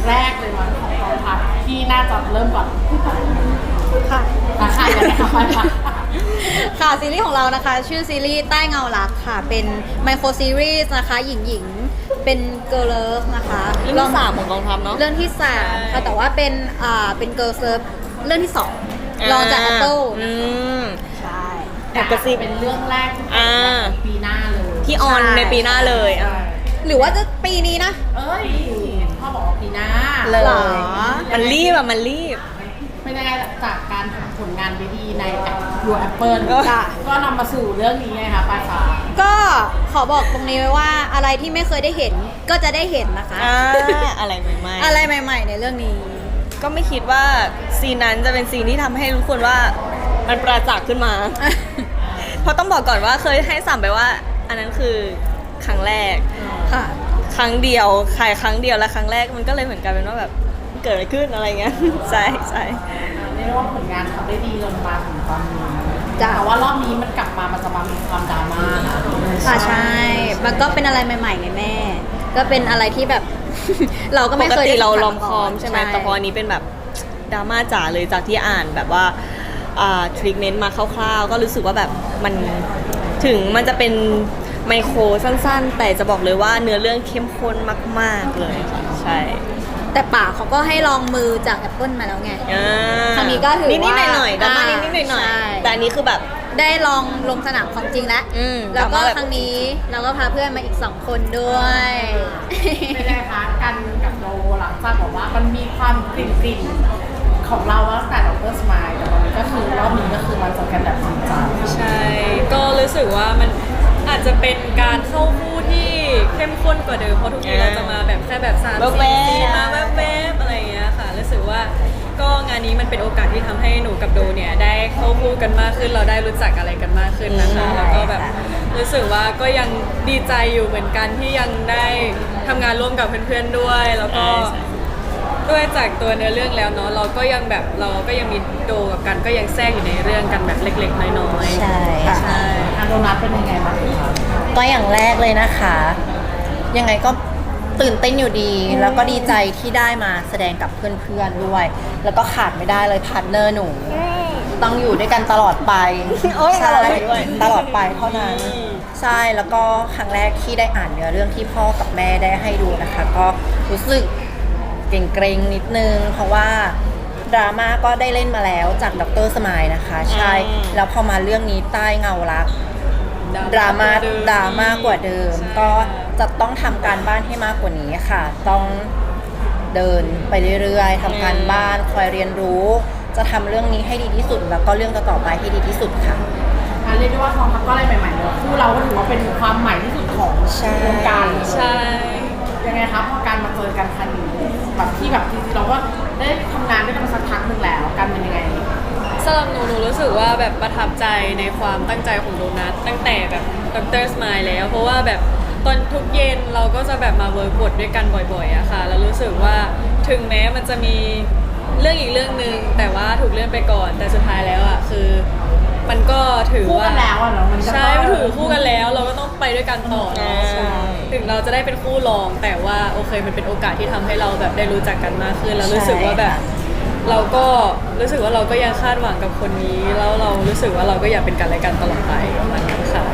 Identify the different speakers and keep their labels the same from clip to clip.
Speaker 1: แรกเลยมั้งของกองทัพที่น่าจะเริ่มก่อน
Speaker 2: ค่ะ
Speaker 1: ค่ะยังไงคะไปค่ะ
Speaker 2: ค่ะซีรีส์ของเรานะคะชื่อซีรีส์ใต้เงารักค่ะเป็นไมโครซีรีส์นะคะหญิงเป็นเกิร์ลเลิฟนะคะ
Speaker 3: เรื่องที่ 3ของกองทัพเนาะ
Speaker 2: เรื่องที่3ค่ะแต่ว่าเป็นเกิร์ลเลิฟเรื่องที่2รองจากแอปเปิลใช่
Speaker 1: แต่ก็ซีเป็นเรื่องแรกที่ปีหน้าเลย
Speaker 3: ที่ออนในปีหน้าเลย
Speaker 2: หรือว่าจะปีนี้นะ
Speaker 1: เอ้ยพ่อบอกว่าปีหน้า
Speaker 2: เลย
Speaker 3: มันรีบมันรีบ
Speaker 1: เป็นยังไงจากการทำผลงานวิดีในยูแอปเปิลก็นำมาสู่เรื่องนี้ไงคะปลายฟ้า
Speaker 2: ก็ขอบอกตรงนี้ไว้ว่าอะไรที่ไม่เคยได้เห็นก็จะได้เห็นนะคะ
Speaker 3: อะไรใหม่ๆ
Speaker 2: อะไรใหม่ๆในเรื่องนี้
Speaker 3: ก็ไม่คิดว่าซีนนั้นจะเป็นซีนที่ทำให้ทุกคนว่ามันประจักษ์ขึ้นมา เพราะต้องบอกก่อนว่าเคยให้สัมไปว่าอันนั้นคือครั้งแรก
Speaker 2: ค่ะ
Speaker 3: ครั้งเดียวขายครั้งเดียวและครั้งแรกมันก็เลยเหมือนกันเป็นว่าแบบเกิดอะไรขึ้นอะไรเงี้ยใช่
Speaker 1: เรียกว่าผลงานทำได้ดีจนมาถึงตอนนี้แต่ว่ารอบนี้มันกลับมามันจะมามีความดราม่านะ
Speaker 2: ใช่มันก็เป็นอะไรใหม่ๆไงแม่ก็เป็นอะไรที่แบบ เราก็ไม่เคย
Speaker 3: ปกติเราลอมคอมใช่ไหมแต่พออันนี้เป็นแบบดราม่าจ๋าเลยจากที่อ่านแบบว่าทริคเมนต์มาคร่าวๆก็รู้สึกว่าแบบมันถึงมันจะเป็นไมโครสั้นๆแต่จะบอกเลยว่าเนื้อเรื่องเข้มข้นมากๆเลยใช่
Speaker 2: แต่ป่าเขาก็ให้ลองมือจากแอปเปิลมาแล้วไงครั้งนี้ก็ถือว่า
Speaker 3: นิดๆหน่อยๆดราม่านิดๆหน่อยๆแต่อันนี้คือแบบ
Speaker 2: ได้ลองลงสนามของจริงแล้วก็ครั้งนี้เราก็พาเพื่อนมาอีก2คนด้วย
Speaker 1: เป็นไงคะกันกับโดหลังจากบอกว่ามันมีความกลิ่นของเราตั้งแต่ดร.สมายแต่ตอนนี้ก็คือรอบนี้ก็คือมันจะกันแบบจริงจัง
Speaker 4: ใช่ก็รู้สึกว่ามันอาจจะเป็นการเข้าคู่ที่เข้มข้นกว่าเดิมเพราะทุกทีเราจะมาแบบแค่แบบ3-4 ซีนมาแวบๆอะไรอย่างเงี้ยค่ะรู้สึกว่าก็งานนี้มันเป็นโอกาสที่ทำให้หนูกับโดเนี่ยได้เข้าคู่กันมากขึ้นเราได้รู้จักอะไรกันมากขึ้นนะคะแล้วก็แบบรู้สึกว่าก็ยังดีใจอยู่เหมือนกันที่ยังได้ทำงานร่วมกับเพื่อนๆด้วยแล้วก็ด้วยจากตัวเนื้อเรื่องแล้วเนาะเราก็ยังมีโดกับกันก็ยังแทรกอยู่ในเรื่องกันแบบเล็กๆน้อย
Speaker 5: ๆใช่
Speaker 1: ค่ะโดนัทเป็นยังไงบ้างคะ
Speaker 5: ก็อย่างแรกเลยนะคะยังไงก็ตื่นเต้นอยู่ดีแล้วก็ดีใจที่ได้มาแสดงกับเพื่อนๆด้วยแล้วก็ขาดไม่ได้เลยพาร์ทเนอร์หนูต้องอยู่ด้วยกันตลอดไปใช่ตลอดไปเท่านั้นใช่แล้วก็ครั้งแรกที่ได้อ่านเนื้อเรื่องที่พ่อกับแม่ได้ให้ดูนะคะก็รู้สึกเกรงๆนิดนึงเพราะว่าดราม่าก็ได้เล่นมาแล้วจากดร.สมายนะคะใช่แล้วพอมาเรื่องนี้ใต้เงารักดราม่ากว่าเดิมก็จะต้องทำการบ้านให้มากกว่านี้ค่ะต้องเดินไปเรื่อยๆทำการบ้านคอยเรียนรู้จะทำเรื่องนี้ให้ดีที่สุดแล้วก็เรื่องต่อไปให้ดีที่สุดค่ะ
Speaker 1: เรียกได้ว่าทองทัพก็อะไรใหม่ๆเลยคู่เราก็ถือว่าเป็นความใหม่ที่สุดของวงการ
Speaker 4: ใช่
Speaker 1: ยังไงครับพอการมาเจอกันครั้งนี้แบบที่แบบจริงๆเราก็ได้ทำงานด้วยกันมาสักพักหนึ่งแล้วกันเป็นยังไง
Speaker 4: สำหรับหนูรู้สึกว่าแบบประทับใจในความตั้งใจของโดนัทตั้งแต่แบบดร.สมายแล้วเพราะว่าแบบตอนทุกเย็นเราก็จะแบบมาเวิร์กบทด้วยกันบ่อยๆอะค่ะแล้วรู้สึกว่าถึงแม้มันจะมีเรื่องอีกเรื่องนึงแต่ว่าถูกเลื่อนไปก่อนแต่สุดท้ายแล้วอะคือมันก็ถือว่า
Speaker 1: คู่กันแล้วอะเนาะมัน
Speaker 4: ใช่ถือคู่กันแล้วเราก็ต้องไปด้วยกันต่อเนาะถึงเราจะได้เป็นคู่รองแต่ว่าโอเคมันเป็นโอกาสที่ทำให้เราแบบได้รู้จักกันมากขึ้นแล้วรู้สึกว่าแบบเราก็รู้สึกว่าเราก็ยังคาดหวังกับคนนี้แล้วเรารู้สึกว่าเราก็อยากเป็นกันและกันตลอดไปประมาณนั้นค่ะ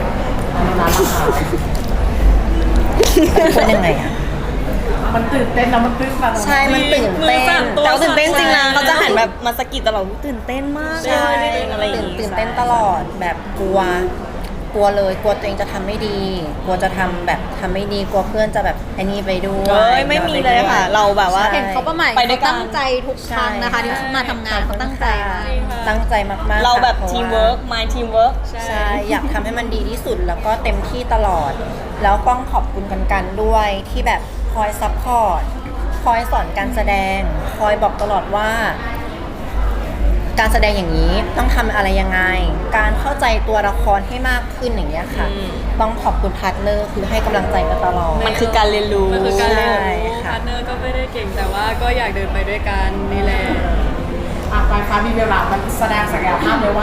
Speaker 5: เป็นยังไงอ่ะ
Speaker 1: มันตื่นเต้นนะมันตื่น
Speaker 5: ใช่มันตื่นเต้น
Speaker 3: แต่ตื่นเต้นจริงนะเขาจะหันแบบมาสะกิดตลอดตื่นเต้นมาก
Speaker 5: ใช่ตื่นเต้นตลอดแบบกลัวเลยกลัวตัวเองจะทำไม่ดีกลัวจะทำแบบทำไม่ดีกลัวเพื่อนจะแบบไอ้นี่ไปด้วย
Speaker 3: ไม่มีเลยค่ะเราแบบว่า
Speaker 2: เห็นเขาประมาณเขาตั้งใจทุกครั้งนะคะที่มาทำงานเขาตั้งใจ
Speaker 5: มากๆ
Speaker 3: เราแบบทีมเวิร์กmy team work
Speaker 5: ใช่อยากทำให้มันดีที่สุดแล้วก็เต็มที่ตลอดแล้วต้องขอบคุณกันด้วยที่แบบคอยซัพพอร์ตคอยสอนการแสดงคอยบอกตลอดว่าการแสดงอย่างนี้ต้องทำอะไรยังไงการเข้าใจตัวละครให้มากขึ้นอย่างเงี้ยค่ะต้องขอบคุณพาร์ทเนอร์คือให้กำลังใจกันตลอด
Speaker 3: มันคือการเรียนรู้
Speaker 4: พาร์ทเนอร์ก็ไม่ได้เก่งแต่ว่าก็อยากเดินไปด้วยกันนี่แหละ
Speaker 1: ไปฟ้ามีเวลามันแสดงศักยภาพเลยว่า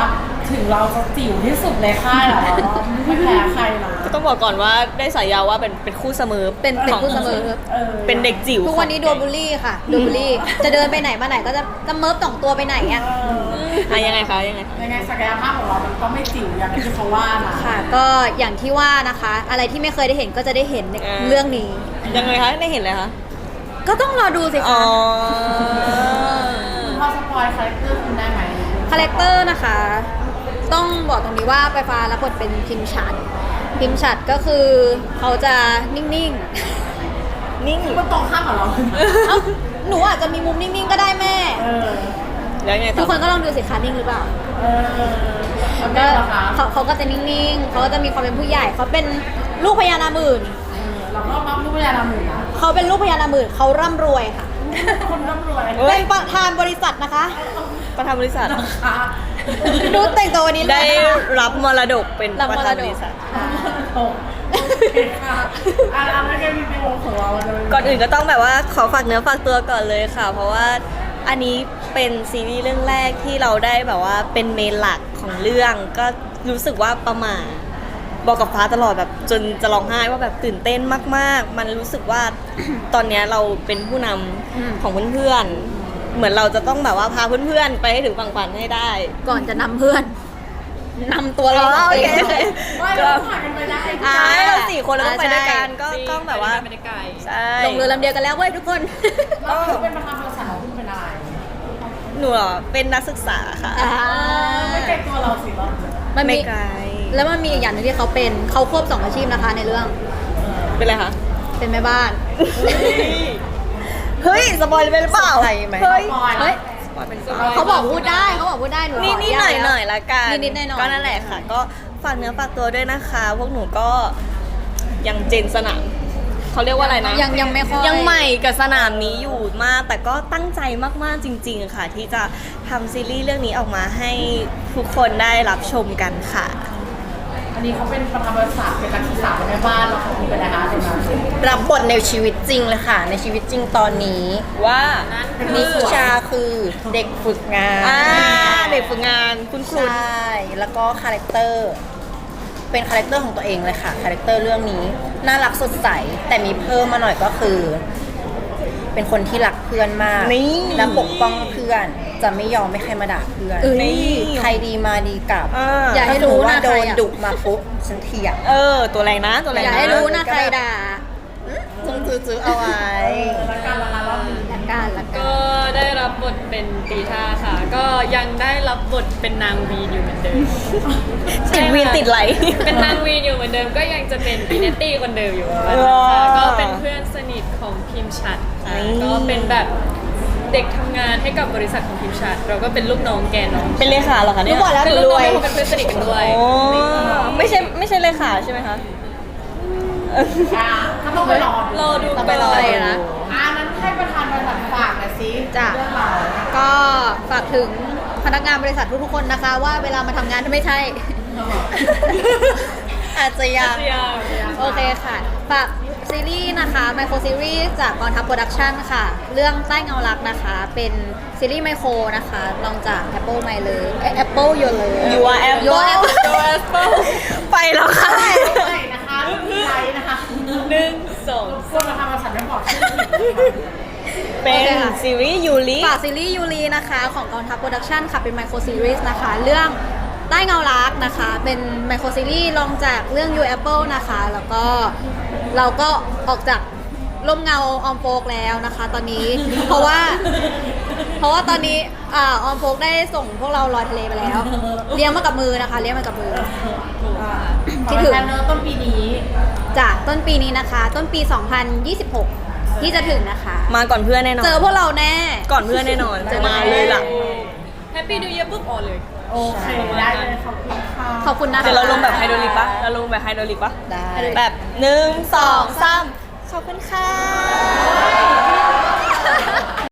Speaker 1: ถึงเราจะจิ๋วที่สุดในค่ายแล้วไม่แพ้ใครนะ
Speaker 3: ก็ต้องบอกก่อนว่าได้ฉายาว่าเป็นคู่เสมอ
Speaker 2: เป็นคู่เสมอ
Speaker 3: เป็นเด็กจิ๋ว
Speaker 2: ทุกวันนี้โดนบูลลี่ค่ะโดนบูลลี่ จะเดินไปไหนมาไหนก็จะเมิร์ฟสองตัวไปไหนอ่ะ
Speaker 3: ยังไงคะยังไง
Speaker 1: ยังไงศักยภาพของเรามันก็ไม่จิ๋วอย่างที่เขาว่านะ
Speaker 2: ค่ะ ก็อย่างที่ว่านะคะ อะไรที่ไม่เคยได้เห็นก็จะได้เห็นในเรื่องนี้
Speaker 3: ยังไงคะได้เห็นเลยคะ
Speaker 2: ก็ต้องรอดูสิ
Speaker 3: อ๋
Speaker 2: คะ
Speaker 3: อ
Speaker 1: พอสปอยคาแรคเตอร์คุณได้ไหม
Speaker 2: คาแรคเตอร์นะคะ ต้องบอกตรงนี้ว่าไปฟ้ารับบทเป็นพิมพ์ฉัดพิมพ์ฉัดก็คือเขาจะนิ่ง
Speaker 3: นิ่ง
Speaker 1: มันตรงข้ามกับเรา
Speaker 2: ๆเอ้าหนูอาจจะมีมุมนิ่งๆก็ได้แม่
Speaker 1: เออ
Speaker 3: แล้วไง
Speaker 2: ทุ
Speaker 3: ต่
Speaker 2: ก
Speaker 3: อ
Speaker 2: คนก็ลองดูสิคะนิ่งหรือเปล่า
Speaker 1: เออแล้ว
Speaker 2: ก็
Speaker 1: ก็นะคะ
Speaker 2: เขาก็จะนิ่งๆเขาก็จะมีความเป็นผู้ใหญ่เขาเป็นลูกพญานาคหมื่น
Speaker 1: เราก็มักลูกพญานาคหมื่นนะ
Speaker 2: เขาเป็นลูกพญานาคหมื่นเขาร่ำรวยค่ะ
Speaker 1: คนร่ำรวย
Speaker 2: เป็นประธานบริษัทนะคะ
Speaker 3: ประธานบริษัท
Speaker 1: นะคะ
Speaker 2: ดูแต่งตัววันนี้เลย
Speaker 3: ได้
Speaker 2: นะคะ
Speaker 3: รับมรดกเป็น
Speaker 2: รับ
Speaker 3: ป
Speaker 2: ม
Speaker 3: ระ
Speaker 2: ร
Speaker 3: ธาน
Speaker 2: ดก
Speaker 3: บริษัท
Speaker 1: โอเคค่ะอันนั้นก็มีในวงของเราจะเป็
Speaker 3: ก่อนอื่นก็ต้องแบบว่าขอฝากเนื้อฝากตัวก่อนเลยค่ะ เพราะว่าอันนี้เป็นซีรีส์เรื่องแรกที่เราได้แบบว่าเป็นเมนหลักของเรื่องก็รู้สึกว่าประหม่าบอกกับฟ้าตลอดแบบจนจะร้องไห้ว่าแบบตื่นเต้นมากๆ มันรู้สึกว่า ตอนเนี้ยเราเป็นผู้นำของเพื่อนๆเหมือนเราจะต้องแบบว่าพาเพื่อนๆไปให้ถึงฝั่งฝันให้ได้
Speaker 2: ก่อนจะนำเพื่อนนำตัวเรา
Speaker 3: อ๋อโอเค
Speaker 2: เอง
Speaker 1: ไม่เราผ่านกันไปได้
Speaker 3: ใช่เรา4 คนเราต้องไปด้วยกันก็
Speaker 4: จริง
Speaker 3: ต้องแบบว่า
Speaker 4: ไม่ได้ไกล
Speaker 3: ใช่
Speaker 2: ลงเรือลำเดียวกันแล้วเว้ยทุกคน
Speaker 1: เราคือเป็นประธานบริษัทของคุณเป็นอะไร
Speaker 3: หนูเหรอเป็นนักศึกษาค่ะ
Speaker 1: ไม่เก่งตัวเราสิเรา
Speaker 2: มัน
Speaker 3: ไม่
Speaker 2: มี
Speaker 3: ไกล
Speaker 2: แล้วมันมีอีกอย่างหนึงที่เขาเป็นเขาควบ2อาชีพนะคะในเรื่อง
Speaker 3: เป็นไรคะ
Speaker 2: เป็นแม่บ้าน
Speaker 3: เฮ้ยสปอยล์ไปหรือเปล่า
Speaker 5: ใช่ไหม
Speaker 3: เฮ้ย
Speaker 1: ปอย
Speaker 2: เฮ้ย
Speaker 3: สปอยล์เป็น
Speaker 2: เขาบอกพูดได้เขาบอกพูดได้หนู
Speaker 3: นี่หน่อยหน่อยละกัน
Speaker 2: นิดๆหน่อยๆ
Speaker 3: ก็นั่นแหละค่ะ ก็ฝากเนื้อฝากตัวด้วยนะคะ พวกหนูก็ยังเจนสนามเขาเรียกว่าอะไรนะ
Speaker 2: ยังไม่ค่อย
Speaker 3: ยังใหม่กับสนามนี้อยู่มาก แต่ก็ตั้งใจมากๆจริง ๆ ค่ะ ที่จะทำซีรีส์เรื่องนี้ออกมาให้ทุกคนได้รับชมกันค่ะ
Speaker 1: อันนี้เขาเป็นประธานบริษัทเป็นนักศึกษาเป็นแม่บ้านเราของคุณเป็นอะไรคะตรงนั้น
Speaker 5: รับบทในชีวิตจริงเลยค่ะ ในชีวิตจริงตอนนี้
Speaker 3: ว่า
Speaker 5: นิชาคือเด็กฝึกงาน
Speaker 3: เด็กฝึกงานคุณครู
Speaker 5: ใช่แล้วก็คาแรคเตอร์เป็นคาแรคเตอร์ของตัวเองเลยค่ะคาแรคเตอร์เรื่องนี้น่ารักสดใสแต่มีเพิ่มมาหน่อยก็คือ เป็นคนที่รักเพื่อนมาก
Speaker 3: นี่
Speaker 5: และปกป้องเพื่อนจะไม่ยอมให้ใครมาด่าเพื่อน
Speaker 3: นี่
Speaker 5: ใครดีมาดีกลับ
Speaker 2: อย่าให้
Speaker 5: ถ้สม
Speaker 2: รู้
Speaker 5: มุติว่า
Speaker 2: นะ
Speaker 5: โด
Speaker 2: ใคร
Speaker 5: น
Speaker 2: อะ
Speaker 5: ดุมาปุ๊บฉันเถียง
Speaker 3: ตัวแรงนะตัวแรง
Speaker 2: อย่า
Speaker 3: นะ
Speaker 2: ให้รู้นะใครด่า
Speaker 5: จงซื้อเอาไว้
Speaker 1: แล้วการละลายรอบนี้
Speaker 2: ละกันละกัน
Speaker 4: ก็ได้รับบทเป็นตีท่าค่ะ ก็ยังได้รับบทเป็นนางวีนอยู่เหมือนเดิม
Speaker 3: ติดวีนติดไหล
Speaker 4: เป็นนางวีนอยู่เหมือนเดิม ก็ยังจะเป็นพีเนตตี้คนเดิมอยู่ค่ะก็เป็นเพื่อนสนิทของพิมพ์ชัดค่ะ
Speaker 3: นี่
Speaker 4: ก็เป็นแบบเด็กทำงานให้กับบริษัทของพิมพ์ชัด เราก็เป็นลูกน้องแกน้อง
Speaker 3: เป็นเลขาเหรอคะเนี่ย
Speaker 2: รู้หมดแล้ว
Speaker 4: เป็นลูกน้องให้เป็นเพื่อนสนิทกันด้วย
Speaker 3: โอ้ไม่ใช่เลขาใช่ไหมคะ
Speaker 1: ถ้าต้องไปรอ
Speaker 4: รอดู
Speaker 2: ต้องไปรอเลยนะ
Speaker 1: นั้นให้ประธานบริษัทฝากหน่อยสิ
Speaker 2: จ้ะ
Speaker 1: เรื่องเรา
Speaker 2: ก็ฝากถึงพนักงานบริษัททุกๆคนนะคะ ว่าเวลามาทำงานถ้าไม่ใช่
Speaker 5: อาจจะยัง
Speaker 2: โอเคค่ะ ฝากซีรีส์นะคะไมโครซีรีส์จากกองทัพโปรดักชันค่ะ เรื่องใต้เงารักนะคะ เป็นซีรีส์ไมโครนะคะลองจาก Apple My เลย Apple Your Love
Speaker 3: You are Apple
Speaker 2: Your Apple
Speaker 3: You are Apple ไปแล้วค่ะ
Speaker 1: ใช่นะคะรุ่นพี่ไลท์นะคะ
Speaker 4: 1
Speaker 1: พวกประธานบริษัทไม่บอกชื่อ
Speaker 3: เป็นซีรีส์ยูริ
Speaker 2: ฝากซีรีส์ยูรีนะคะของกองทัพโปรดักชันค่ะ เป็นไมโครซีรีส์นะคะ เรื่องใต้เงารักนะคะ เป็นไมโครซีรีส์ลองจากเรื่อง You Apple นะคะ แล้วก็เราก็ออกจากร่มเงาออมโฟกแล้วนะคะ ตอนนี้ เพราะว่าตอนนี้ออมโฟกได้ส่งพวกเราลอยทะเลไปแล้ว เลี้ยงมากับมือนะคะ เลี้ยงมากับมือ คิดถึง
Speaker 1: เนอร์ต้นปีนี้
Speaker 2: จากต้นปีนี้นะคะ ต้นปี 2026 ที่จะถึงนะคะ
Speaker 3: มาก่อนเพื่อนแน่นอน
Speaker 2: เจอพวกเราแน่
Speaker 3: ก่อนเพื่อนแน่นอน
Speaker 2: เจอ
Speaker 3: มาเลยล่ะ
Speaker 4: แฮปปี้ดูเย r ปุ๊บออนเลย
Speaker 1: โอเค ได้เลยขอบคุณค่ะ
Speaker 2: ขอบคุณนะคะ
Speaker 3: เดี๋ยวเราลงแบบไฮโดรลิกปะเราลงแบบไฮโดรลิกปะ
Speaker 5: ได้
Speaker 3: แบบ1 2 3ขอบคุณค่ะ